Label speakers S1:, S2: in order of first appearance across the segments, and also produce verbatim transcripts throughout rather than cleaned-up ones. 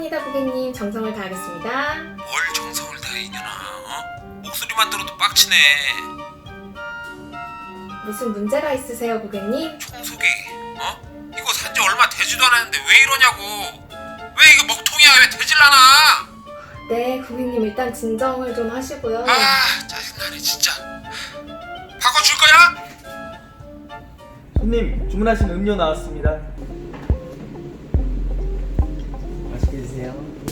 S1: 알겠습니다, 고객님. 정성을 다하겠습니다.
S2: 뭘 정성을 다해 이년아. 어? 목소리만 들어도 빡치네.
S1: 무슨 문제가 있으세요, 고객님?
S2: 청소기 어? 이거 산지 얼마 되지도 않았는데 왜 이러냐고. 왜 이거 먹통이야. 왜 되질라나.
S1: 네, 고객님 일단 진정을 좀 하시고요.
S2: 아 짜증나네 진짜. 바꿔줄 거야?
S3: 손님, 주문하신 음료 나왔습니다. 맛있게 드세요.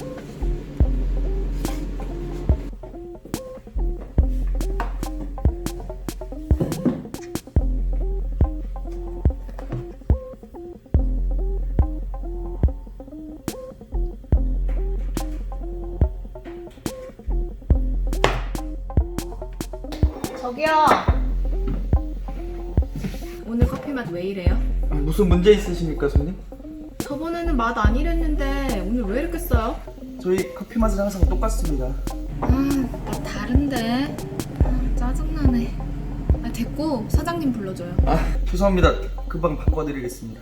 S1: 저기요. 오늘 커피 맛 왜 이래요?
S3: 무슨 문제 있으십니까, 손님?
S1: 저번에는 맛 안 이랬는데 오늘 왜 이렇게 써요?
S3: 저희 커피 맛은 항상 똑같습니다.
S1: 아, 나 다른데. 아, 짜증나네. 아, 됐고 사장님 불러줘요.
S3: 아, 죄송합니다. 금방 바꿔드리겠습니다.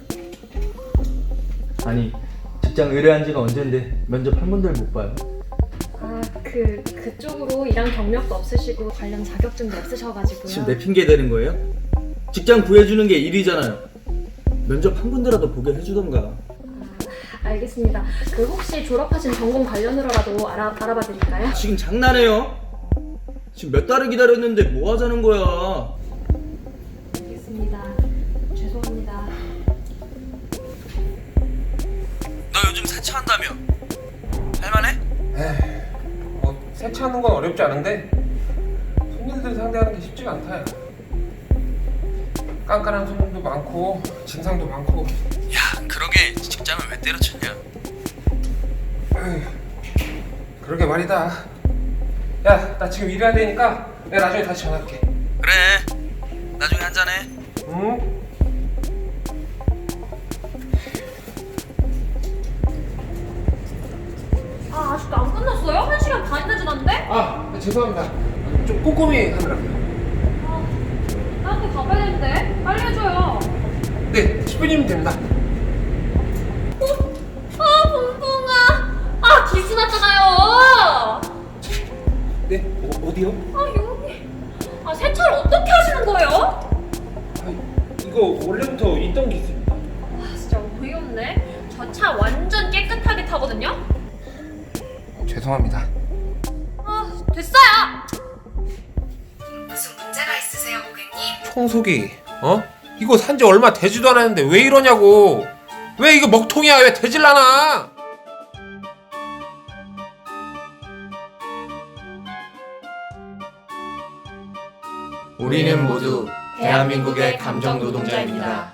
S3: 아니, 직장 의뢰한 지가 언젠데 면접 한 번도 못 봐요.
S4: 아, 그, 그쪽으로 일한 경력도 없으시고 관련 자격증도 없으셔가지고요.
S3: 지금 내 핑계 대는 거예요? 직장 구해주는 게 일이잖아요. 면접 한 군데라도 보게 해주던가.
S4: 아, 알겠습니다. 그 혹시 졸업하신 전공 관련으로라도 알아, 알아봐 드릴까요?
S3: 지금 장난해요? 지금 몇 달을 기다렸는데 뭐 하자는 거야?
S4: 알겠습니다. 죄송합니다.
S2: 너 요즘 세차한다며? 할만해?
S5: 에이, 뭐 세차하는 건 어렵지 않은데 손님들 상대하는 게 쉽지가 않다. 깐깐한 손님도 많고 진상도 많고.
S2: 야 그러게 직장을 왜 때려쳤냐.
S5: 에이, 그러게 말이다. 야, 나 지금 일해야 되니까 내가 나중에 다시 전화할게.
S2: 그래 나중에 한잔해.
S5: 응?
S4: 아, 아직도 안 끝났어요? 한 시간 반이나 지났는데?
S5: 아, 죄송합니다. 좀 꼼꼼히 하느라고요.
S4: 아, 나한테 가봐야 되는데. 빨리 해줘요.
S5: 네, 십 분이면 됩니다.
S4: 아, 봉봉아. 아, 기스 났잖아요.
S5: 네, 어, 어디요?
S4: 아, 여기. 아, 세차를 어떻게 하시는 거예요?
S5: 아, 이거 원래부터 있던 게 있습니다.
S4: 아, 진짜 어이없네. 저 차 완전 깨끗하게 타거든요?
S5: 죄송합니다.
S4: 아, 됐어요!
S1: 무슨 문제가 있으세요, 고객님?
S2: 청소기 어? 이거 산지 얼마 되지도 않았는데 왜 이러냐고. 왜 이거 먹통이야. 왜 되질라나.
S6: 우리는 모두 대한민국의 감정 노동자입니다.